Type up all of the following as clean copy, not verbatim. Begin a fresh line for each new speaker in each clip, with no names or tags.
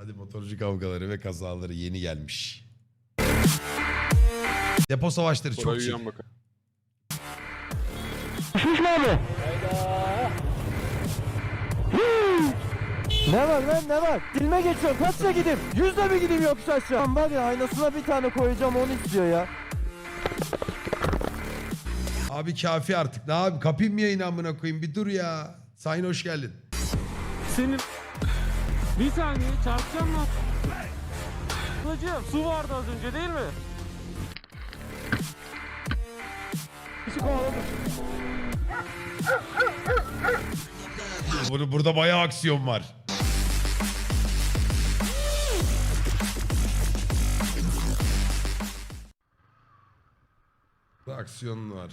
Hadi motorcu kavgaları ve kazaları yeni gelmiş. Depo savaşları çok iyi.
Düşmüş mü abi? Ne var lan ne var? Dilme geçiyorum kaçla gideyim? 100'le mi gideyim yokuş aşağı? Lan var ya aynasına bir tane koyacağım onu istiyor ya.
Abi kafi artık. Ne abi kapayım mı yayını amına koyayım? Bir dur ya. Sayın hoş geldin.
Senin... Bir saniye çarpacağım mı? Hocam su vardı az önce değil mi?
Burada bayağı aksiyon var. Burada aksiyon var.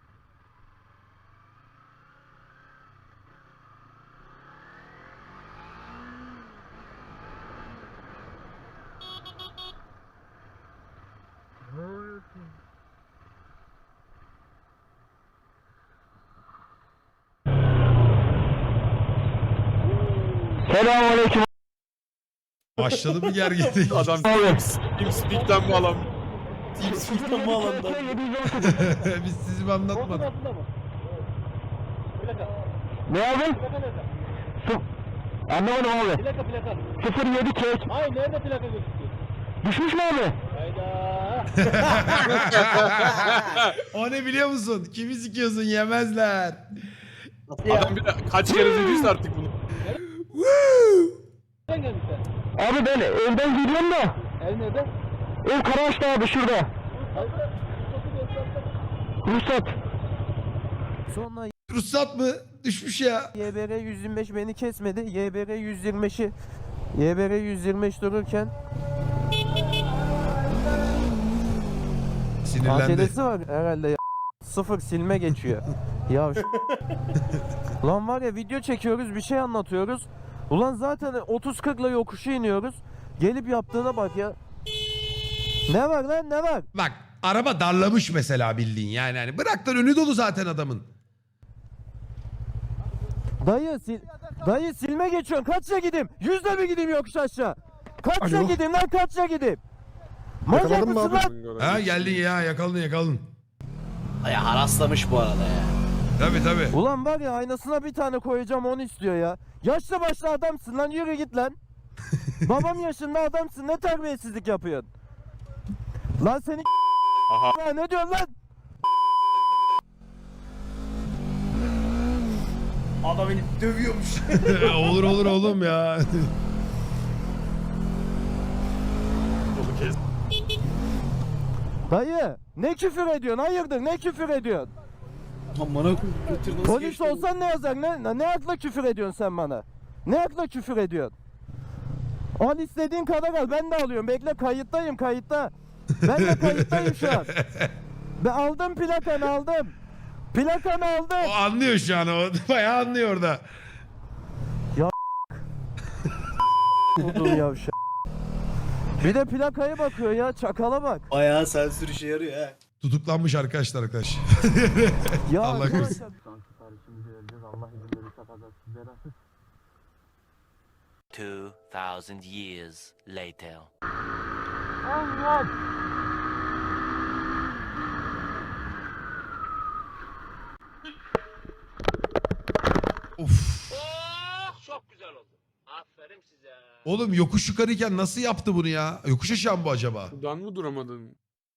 Selamünaleyküm.
Başladı mı gerginlik?
Adam TeamSpeak'ten bağlan.
TeamSpeak'ten mi alanda?
Biz sizi mi anlatmadık?
Ne abi? Anlamadım abi.
Plaka.
07 çek.
Hayır nerede plaka gözüküyor?
Düşmüş mü abi?
Hayda.
O ne biliyor musun? Kimi sikiyorsun yemezler.
Adam bir de kaç kere dediyse artık bunu.
Nereden gelmişler?
Abi ben evden gidiyorum da.
Ev nerede?
Ev Karaağaç'ta abi şurada.
Hayır.
Ruhsat. Sonra
Ruhsat mı? Düşmüş ya.
YBR 125 beni kesmedi. YBR 125'i YBR 125 dururken
Sinirlendi.
ATD'si var herhalde ya. Sıfır silme geçiyor. Ya lan var ya video çekiyoruz bir şey anlatıyoruz. Ulan zaten 30-40'la yokuşu iniyoruz. Gelip yaptığına bak ya. Ne var lan ne var?
Bak araba darlamış mesela bildiğin yani. Hani bırak lan önü dolu zaten adamın.
Dayı silme geçiyorsun. Kaçla gideyim? 100'le mi gideyim yokuş aşağı? Kaçla
Alo.
gideyim lan kaçla gideyim? Manyak
Yakaladın mı
mısın
abi?
lan?
Ha geldin ya yakaladın.
Ya haraslamış bu arada ya.
Tabii.
Ulan var ya aynasına bir tane koyacağım onu istiyor ya. Yaşlı başlı adamsın lan yürü git lan. Babam yaşında adamsın ne terbiyesizlik yapıyorsun? Lan seni
Aha.
ne diyorsun lan?
Adam beni dövüyormuş.
olur oğlum ya.
Dayı ne küfür ediyorsun hayırdır ne küfür ediyorsun?
Amına götür nasıl
Polis
geçti?
olsan ne yazar ne akla küfür ediyorsun sen bana? Ne akla küfür ediyorsun? Al istediğin kadar al ben de alıyorum bekle kayıttayım kayıtta. Ben de kayıttayım şu an. Ben aldım plakanı aldım. Plakanı aldım.
O anlıyor şu an o. Bayağı anlıyor orada.
Buldum yavşak. Bir de plakaya bakıyor ya çakala bak.
Bayağı sensör işe yarıyor ha.
Tutuklanmış arkadaşlar.
Ya
Allah
arkadaşlar-
korusun.
Siparişimizi vereceğiz Allah izin verirse kazasız
2,000 years later.
Allah!
Of.
Çok güzel oldu. Aferin size.
Oğlum yokuş yukarıyken nasıl yaptı bunu ya? Yokuş aşağı mı bu acaba?
Buradan mı duramadın?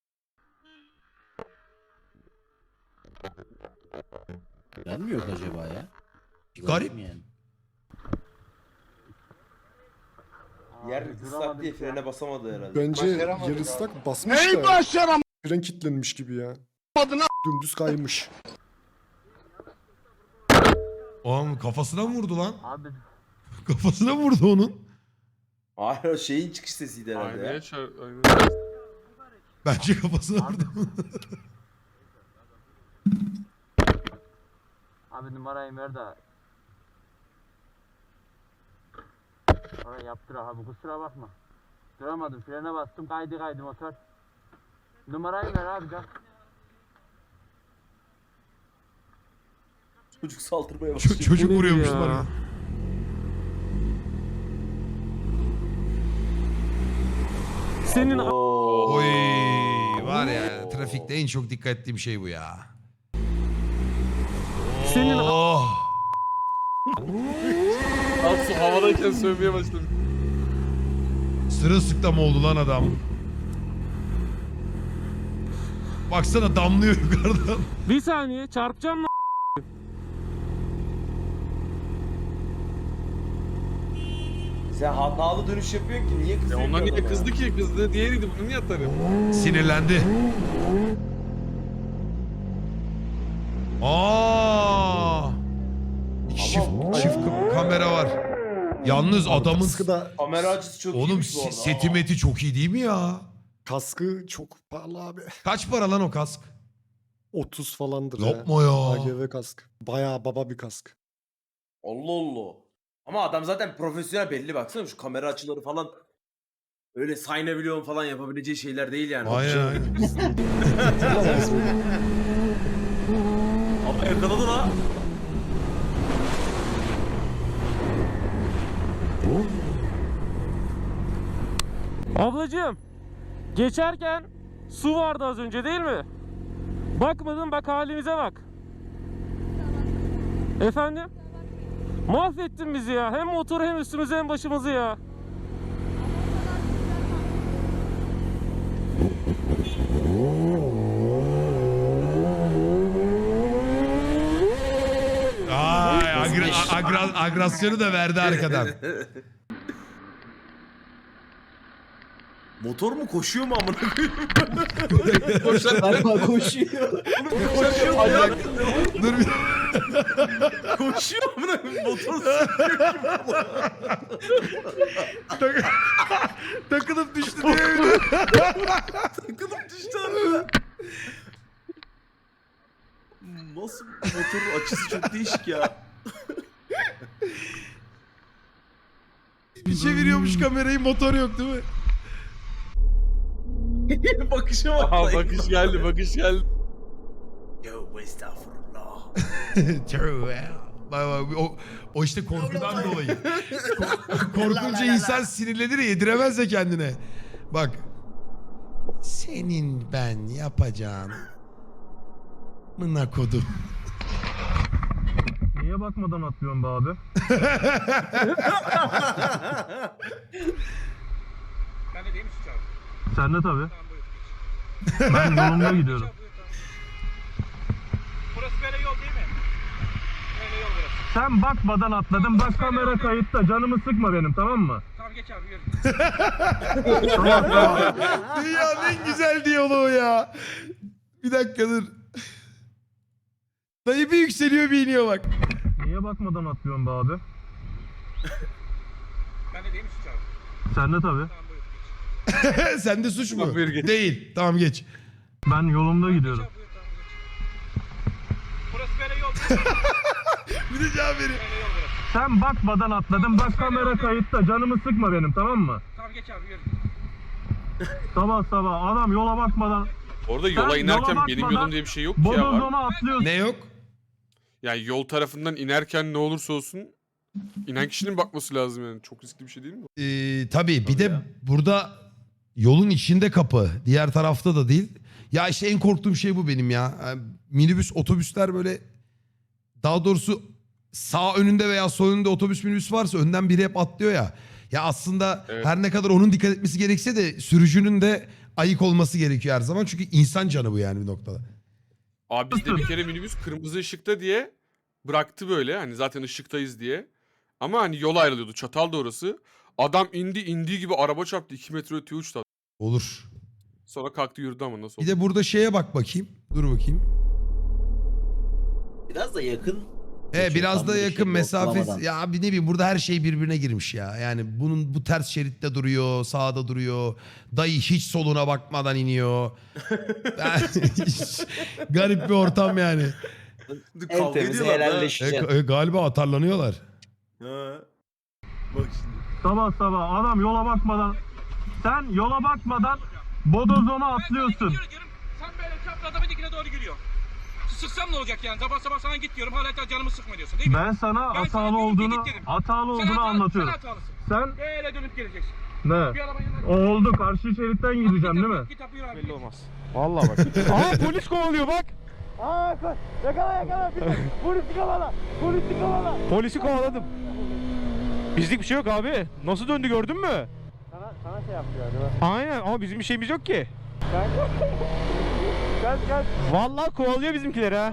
Ben mi yok acaba ya?
Garip.
Yani.
Yer ıslak diye frene basamadı herhalde.
Bence yer ıslak basmış da. Fren kilitlenmiş gibi ya. Dümdüz kaymış.
Oğlum kafasına mı vurdu lan? Kafasına mı vurdu onun?
Hayır o şeyin çıkış sesiydi herhalde
Aynaya
ya.
aynaya.
Bence kafasına vurdu.
Abi numarayı ver de. Oraya yaptır abi kusura bakma. Duramadım frene bastım kaydı motor. Numarayı ver abi gel.
Çocuk saldırmaya başlıyor.
Çocuk
Bu nedir
vuruyormuş
ya?
bana.
Senin
Oo.
Oy var ya trafikte en çok dikkat ettiğim şey bu ya.
Senin
Oh.
Nasıl havadayken sövmeye başladım.
Sırılsıklam oldu lan adam. Baksana damlıyor yukarıdan.
bir saniye çarpacağım lan.
Sen hatalı dönüş yapıyorsun ki niye
Ya
kızıyorsun?
onlar niye
adama?
kızdı ki? Kızdı diğeriydi. Bunu niye atarım?
Sinirlendi. Aa! Çift kamera var. Yalnız adamın
Kaskı da
Kamera açısı çok
oğlum
iyiymiş bu arada.
seti meti çok iyi değil mi ya?
kaskı çok pahalı abi.
Kaç para lan o kask?
30 falandır
Yapma ya.
AGV kask. Bayağı baba bir kask.
Allah Allah. Ama adam zaten profesyonel belli baksana şu kamera açıları falan. Öyle saynavilyon falan yapabileceği şeyler değil yani.
Aynen aynen.
Ama yakaladı la.
Ablacığım geçerken su vardı az önce değil mi? Bakmadın bak halimize bak. Efendim? Mahvettin bizi ya. Hem motoru hem üstümüzü hem başımızı ya.
Ay agresyonu da verdi arkadan.
Motor mu koşuyor mu amına koyayım?
Galiba koşuyor.
Koşuyor ayak.
Dur bir
Koşuyor amına koyayım. Motor
takılıp düştü diye.
takılıp düştü arada. Nasıl motorun açısı çok değişik ya.
Bir çeviriyormuş kamerayı, motor yok değil mi?
Bakışa bak.
Aha bakış geldi, bakış geldi.
Yo estağfurullah.
True ya. Bak, o işte korkudan dolayı. Korkunca insan sinirlenir ya, yediremez de kendine. Bak. Senin ben yapacağım. Mına kodum.
Niye bakmadan atlıyorsun be abi?
Ben de değil mi Suç abi?
Sen de tabii.
Tamam buyur.
Ben yolumda gidiyorum.
Burası böyle yol değil mi? Böyle yol burası.
Sen bakmadan atladın. Bak kamera kayıtta. Canımı sıkma benim, tamam mı?
Tamam geç abi yürü.
Dünyanın en güzel diyaloğu ya. Bir dakika dur. Dayı bir yükseliyor bir iniyor bak.
Niye bakmadan atlıyorsun be abi?
Ben de değil mi Suç abi?
Sen de tabii.
Tamam buyur.
Sende suç mu?
Tamam, buyur geç.
Değil. Tamam geç.
Ben yolumda gidiyorum.
Buyur tamam geç. Burası böyle yol değil mi?
Bir de cevap vereyim.
Böyle yol burası.
Sen bakmadan atladın. Bak kamera kayıtta. Canımı sıkma benim, tamam mı?
Tamam geç abi yürü.
Sabah sabah adam yola bakmadan
Orada yola
Sen
inerken
yola
benim
bakmadan
yolum diye bir şey yok ki ya var.
bodozona atlıyorsun.
Ne yok?
Yani yol tarafından inerken ne olursa olsun inen kişinin bakması lazım yani. Çok riskli bir şey değil mi?
Tabii bir de burada yolun içinde kapı. Diğer tarafta da değil. Ya işte en korktuğum şey bu benim ya. Yani minibüs, otobüsler böyle, daha doğrusu sağ önünde veya sol önünde otobüs minibüs varsa önden biri hep atlıyor ya. Ya aslında
Evet.
her ne kadar onun dikkat etmesi gerekse de sürücünün de ayık olması gerekiyor her zaman. Çünkü insan canı bu yani bir noktada.
Abi bizde bir kere minibüs kırmızı ışıkta diye bıraktı böyle. Hani zaten ışıktayız diye. Ama hani yol ayrılıyordu. Çatal da orası. Adam indiği gibi araba çarptı. 2 metre öteye uçtu.
Olur.
Sonra kalktı yürüdü ama nasıl
Bir
oldu?
de burada şeye bak bakayım. Dur bakayım.
Biraz da yakın.
Biraz
Tam
da
böyle
yakın
şey
mesafe.
ortalamadan.
Ya abi ne bileyim, burada her şey birbirine girmiş ya. Yani bu ters şeritte duruyor, sağda duruyor. Dayı hiç soluna bakmadan iniyor. Garip bir ortam yani.
En
Kavga
temizi
ediyorlar da.
helalleşeceksin.
Galiba atarlanıyorlar.
Ha. Bak şimdi.
Sabah sabah adam yola bakmadan sen yola bakmadan bodozona atlıyorsun.
Yürü diyorum. Sen böyle çaprazlama dikine doğru gidiyor. Sıksam ne olacak yani? Sabah sabah sana git diyorum. Hala canımı sıkma diyorsun değil mi?
Ben sana
Ben sana
hatalı
diyorum ki
olduğunu
git dedim.
hatalı
Sen
olduğunu anlatıyorum.
Sen hatalısın. Sen? Böyle dönüp geleceksin.
Ne?
Bir araba yanına.
Oldu. Karşı şeritten gideceğim değil mi?
Git abi, yürü abi.
Belli olmaz. Vallahi bak. Aa polis kovalıyor bak.
Aa yakala. Polisi kovala.
Polisi kovaladım. Bizlik bir şey yok abi. Nasıl döndü gördün mü?
Sana şey yapıyor hadi.
Aynen ama bizim bir şeyimiz yok ki.
Gel.
Vallahi kovalıyor bizimkileri ha.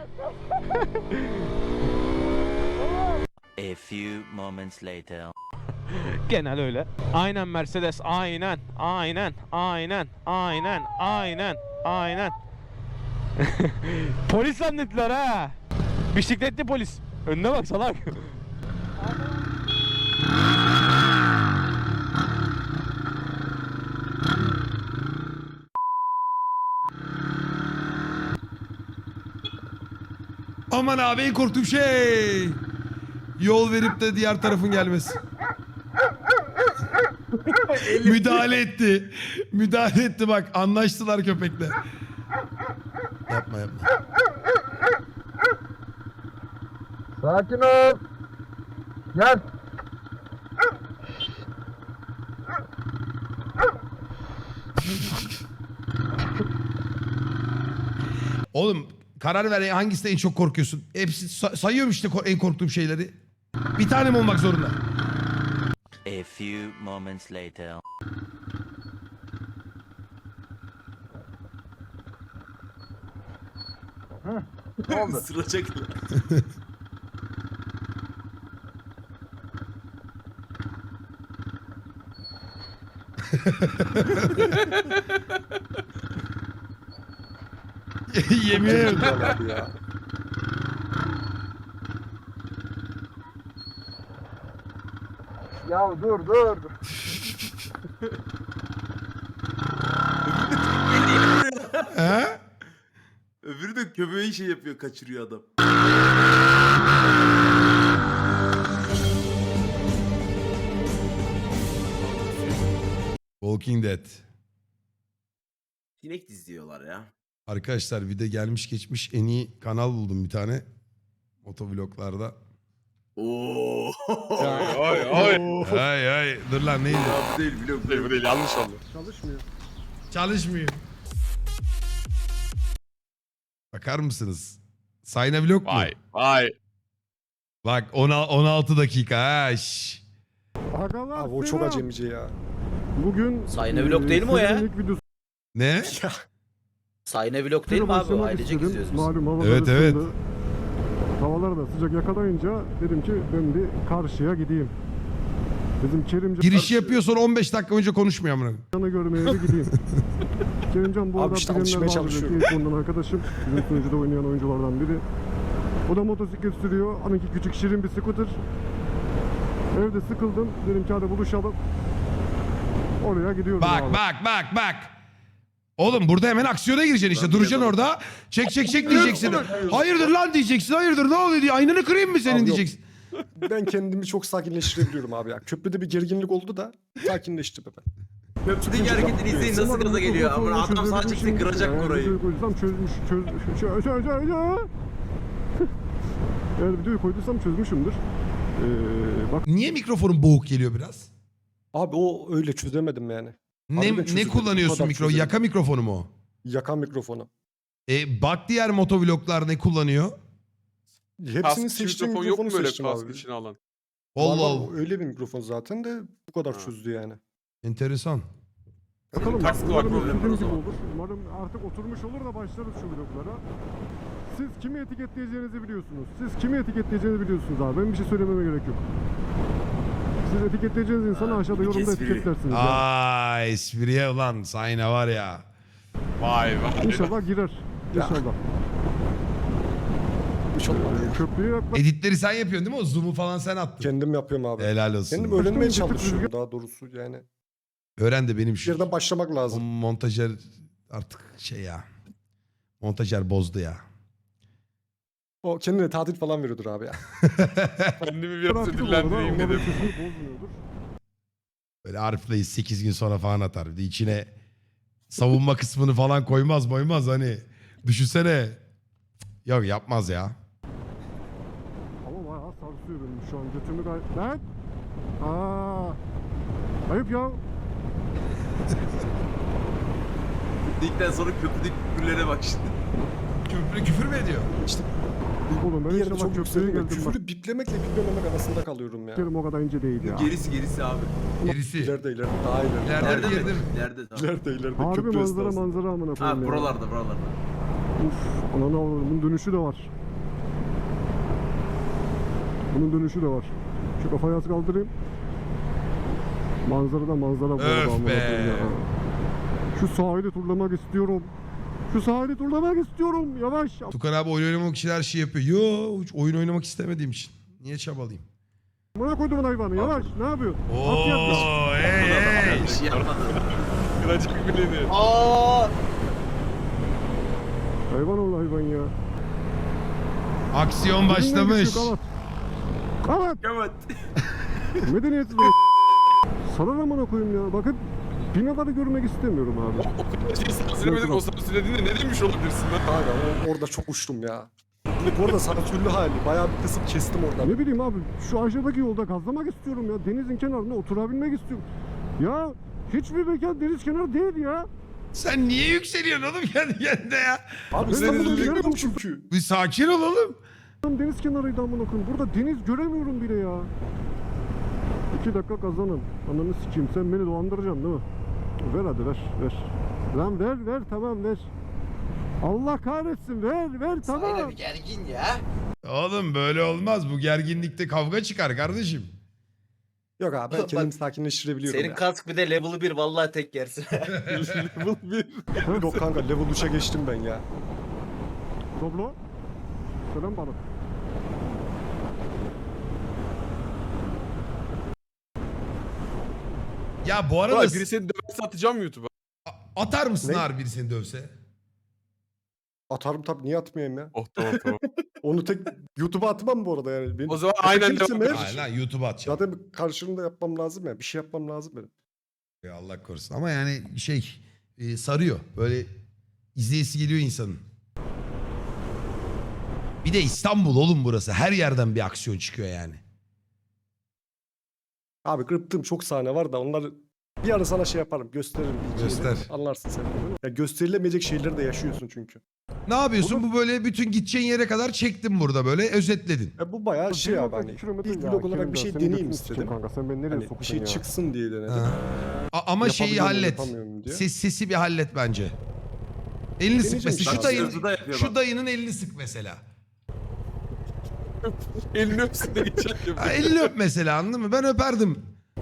A few moments later.
Genel öyle. Aynen Mercedes. Aynen. Polis zannettiler ha. Bisikletli polis. Önüne bak salak.
Aman abi en korktuğum şey. Yol verip de diğer tarafın gelmesi. Müdahale etti bak. Anlaştılar köpekle. Yapma.
Sakin ol. Gel.
Oğlum karar ver hangisinden en çok korkuyorsun? Hepsi sayıyorum işte en korktuğum şeyleri. Bir tane mi olmak zorunda?
A few moments later.
Sıracak.
Yemin ederim.
Abi ya.
Ya dur.
He?
Öbürü de köpeği şey yapıyor, kaçırıyor adam.
Walking Dead.
Sinek diziyorlar ya.
Arkadaşlar bir de gelmiş geçmiş en iyi kanal buldum bir tane. Motovloglarda.
Oo.
Ay dur lan neydi?
Bu değil biliyorum.
Bu değil yanlış oldu.
Çalışmıyor. Bakar mısınız? Sayna vlog mu?
Vay.
Bak 16 dakika ha. şş.
Abi o çok acemice ya.
Bugün
Sayne vlog değil mi o ya?
Ne?
Sayne vlog değil mi abi? O ailecek izliyoruz biz.
Malum havalar
Evet, evet.
ısındı. Havalar da sıcak yakalayınca dedim ki ben bir karşıya gideyim. Bizim Kerimcan
Giriş yapıyor sonra 15 dakika önce konuşmuyor amına.
Kerimcan'ı görmeye bir gideyim. Kerimcan bu
Abi
adam
işte
bilenler
alışmaya
vardır
çalışıyor.
belki, ondan arkadaşım. Bizim sunucuda oynayan oyunculardan biri. O da motosiklet sürüyor. Onunki küçük şirin bir scooter. Evde sıkıldım. Dedim ki hadi buluşalım. Oraya gidiyorum abi.
Bak. Oğlum burada hemen aksiyona gireceksin işte. Duracaksın orada. Çek diyeceksin. Hayırdır lan diyeceksin. Hayırdır ne oluyor diye. Aynanı kırayım mı senin
Abi yok.
diyeceksin.
Ben kendimi çok sakinleştirebiliyorum abi ya. Köprüde bir gerginlik oldu da sakinleştim ben.
Köprüdeki hareketini izleyin nasıl gaza geliyor. Ama adam sağ çekse kıracak orayı.
Videoyu koyduysam çözmüş. Eğer videoyu koyduysam çözmüşümdür. Bak
Niye mikrofonun boğuk geliyor biraz?
Abi o öyle çözemedim yani. Harbiden
Ne
çözemedim. Bu
kullanıyorsun
kadar
mikro?
çözemedim.
Yaka mikrofonu mu o?
Yakan mikrofonu.
Bak diğer motovloglar ne kullanıyor?
Hepsinin
Kask
seçtiğim
mikrofon yok mu
mikrofonu
böyle
seçtim
kask
abi.
içine alan?
Allah
Var,
Allah.
öyle bir mikrofon zaten de bu kadar
Ha.
çözdü yani.
Enteresan.
bakalım.
kaskı var,
Umarım
problem var o
istediğim gibi
zaman.
olur. Umarım artık oturmuş olur da başlarız şu vloglara. Siz kimi etiketleyeceğinizi biliyorsunuz. Siz kimi etiketleyeceğinizi biliyorsunuz abi. Benim bir şey söylememe gerek yok. Siz etiketleyeceğiniz insanı aşağıda
bir
yorumda
espri.
etiketlersiniz. ya.
Aa espriye ulan Sayna var ya.
Vay.
İnşallah girer. İnşallah. Köprüye yaklaş.
Editleri sen yapıyorsun değil mi? O zoom'u falan sen attın.
Kendim yapıyorum abi.
Helal olsun.
Kendim
Kendim
öğrenmeye
Bir tık
çalışıyorum
rüzgar-
daha doğrusu yani.
Öğren de benim
Bir
şu.
yerden başlamak
O
lazım.
montajer artık şey ya. Montajer bozdu ya.
O kendine tatil falan veriyordur abi ya.
Kendimi biraz
Bıraktım
ödüllendireyim
orada,
dedim.
umarım sesini bozmuyordur.
Böyle Arif'leyi 8 gün sonra falan atar. Bir de içine savunma kısmını falan koymaz hani. Düşünsene. Yok yapmaz ya.
Ama bayağı sarsıyor benim şu an götümü gayet... Lan!
Ayıp ya.
Dedikten sonra köprüdeki küfürlere bak şimdi.
Küfür mü ediyor?
İşte Oğlum ben yere işte çok bak yükseldim. köprüye geldim bak.
Küfürü biplemekle biplememek arasında kalıyorum ya.
Kerim o kadar ince değil ya.
Gerisi abi.
Gerisi.
İleride daha ileride.
İleride
Nerede
bir yerde
mi?
mi?
Nerede tamam.
İleride
Harbi
köprü
manzara
esnasında.
manzara amına koyayım
Ha
ya.
buralarda.
Uf, ananı avradım. Bunun dönüşü de var. Bunun dönüşü de var. Şu kafayı az kaldırayım. Manzaradan manzara bu arada
Öf
amına
be.
koyayım ya. Şu sahili turlamak istiyorum. Şu sahili turlamak istiyorum. Yavaş.
Tukan abi oyun oynamak için her şey yapıyor. Yo hiç oyun oynamak istemediğim için. Niye çabalayayım?
Amına koydum hayvanı. Yavaş. Ne yapıyorsun? At yapma.
Oo hey.
Bir şey yapmadı.
Kıracak bileni.
Aa!
Hayvan ol hayvan ya.
Aksiyon başlamış.
Kavat.
Evet.
Medeniyetsiz. Sana amına koyayım ya. Bakın binaları görmek istemiyorum abi.
Şey sansürlemedin o sansürlediğinde ne demiş olabilirsin lan?
Hala orada çok uçtum ya. Bu arada sansürlü hali. Bayağı bir kısım kestim orada.
Ne bileyim abi şu aşağıdaki yolda gazlamak istiyorum ya. Denizin kenarında oturabilmek istiyorum. Ya hiçbir mekan deniz kenarı değil ya.
Sen niye yükseliyorsun oğlum kendi kendine ya?
Abi İstanbul'da görüyorum çünkü.
Bir sakin ol oğlum.
Tam deniz kenarıydı amına koyayım. Burada deniz göremiyorum bile ya. 2 dakika kazanın. Ananı sikeyim sen beni dolandıracaksın değil mi? Ver hadi ver. Lan ver tamam ver. Allah kahretsin ver tamam.
gergin ya.
Oğlum böyle olmaz. Bu gerginlikte kavga çıkar kardeşim.
Yok abi ben
Bak,
kendimi sakinleştirebiliyorum
Senin
ya.
kask bir de level 1 vallahi tek yersin.
Yok kanka level 3'e geçtim ben ya.
Doblo. Selam bana.
Ya bu arada
Vay, biri seni döverse atacağım YouTube'a.
atar mısın
Ne?
harbi biri seni dövse?
Atarım tabii niye atmayayım ya.
Oh tamam.
Onu tek YouTube'a atmam bu arada yani. Benim
O zaman aynen
Kimsin
devam
be?
Hayır lan YouTube'a atacağım.
zaten karşılığında yapmam lazım ya. Bir şey yapmam lazım benim.
Ya Allah korusun. Ama yani sarıyor. Böyle izleyesi geliyor insanın. Bir de İstanbul oğlum burası. Her yerden bir aksiyon çıkıyor yani.
Abi kırptığım çok sahne var da onları bir ara sana şey yaparım. Gösteririm. bir iki
Göster.
yere. Anlarsın sen. Ya gösterilemeyecek şeyleri de yaşıyorsun çünkü.
Ne yapıyorsun? Bu böyle bütün gideceğin yere kadar çektin burada böyle özetledin.
Ya bu bayağı şey abi hani. İlk vlog olarak bir şey deneyeyim istedim.
Kanka sen beni nereye
Hani bir
soktun
şey
ya?
çıksın diye denedim.
Ha. Ama şeyi
Yapabiliyor muyum,
hallet.
yapamıyor muyum diye.
Sesi bir hallet bence. Elini sık
Deneyeceğim
mesela.
işte.
Şu dayının,
Sırtı da yapıyor
şu
bak.
dayının elini sık mesela.
Elini öpsün de geçer ya.
Ha, elini öp mesela anladın mı? Ben öperdim.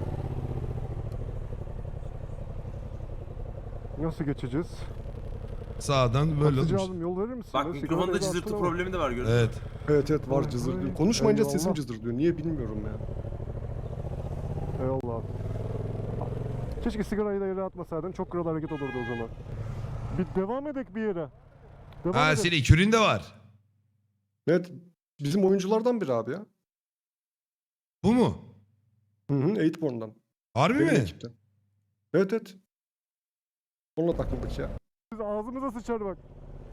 Nasıl geçeceğiz?
Sağdan böyle
Taksici
olmuş.
abim yol verir misin?
Bak
Ben
mikrofonda
sigarayı
cızırtı
atsana.
problemi de var gördün mü?
Evet.
Evet var cızır diyor. Konuşmayınca
Eyvallah.
sesim cızır diyor. Niye bilmiyorum ya.
Eyvallah abi. Keşke sigarayı da yere atmasaydın. Çok kral hareket olurdu o zaman. Bir devam edek bir yere. Devam
Ha
edek.
senin ekürün de var.
Evet bizim oyunculardan biri abi ya.
Bu mu?
Hı hı 8born'dan.
Harbi
Benim
mi?
ekipten. Evet. Onunla takıldık ya.
Biz ağzımıza sıçar bak.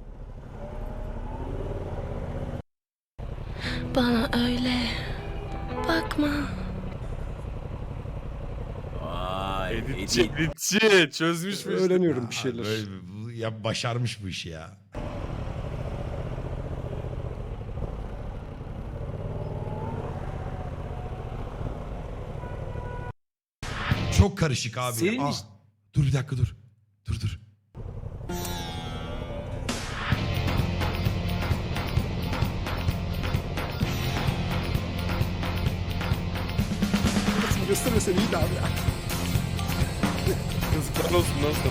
Bana öyle bakma.
Vay.
Editçi çözmüş mü?
Öğreniyorum bir şeyler.
Ya başarmış bu işi ya. Çok karışık abi.
Senin
Ah,
iş-
dur bir dakika dur. Dur.
Nasıl göstermesen iyiydi abi ya.
Yazıklar olsun nasıl?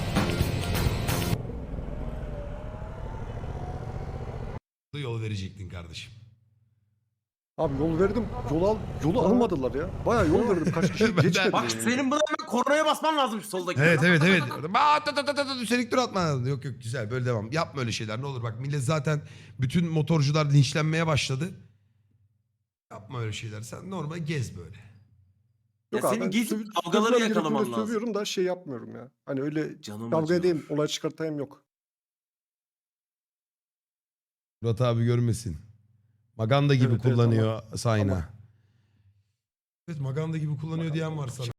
Yol verecektin kardeşim.
Abi yol verdim. Yolu almadılar ya. Bayağı yol verdim. Kaç kişi
Ben-
geçmedi.
Bak senin buna hemen kornaya basman lazım şu soldaki.
Evet. Üstelik dur atma. Yok güzel böyle devam. Yapma öyle şeyler ne olur bak millet zaten bütün motorcular linçlenmeye başladı. Yapma öyle şeyler. Sen normal gez böyle.
Yok
Ya
abi,
senin
ben
gezip
sövüp-
kavgaları
sövmem
yakalaman
gerektiğinde
lazım.
Sövüyorum da şey yapmıyorum ya. Hani öyle
Canım
kavga
acıyor.
edeyim, olay çıkartayım yok.
Murat abi görmesin. Maganda gibi
Evet, evet,
kullanıyor Sayna.
ama-
Evet Maganda gibi kullanıyor diyen var sana.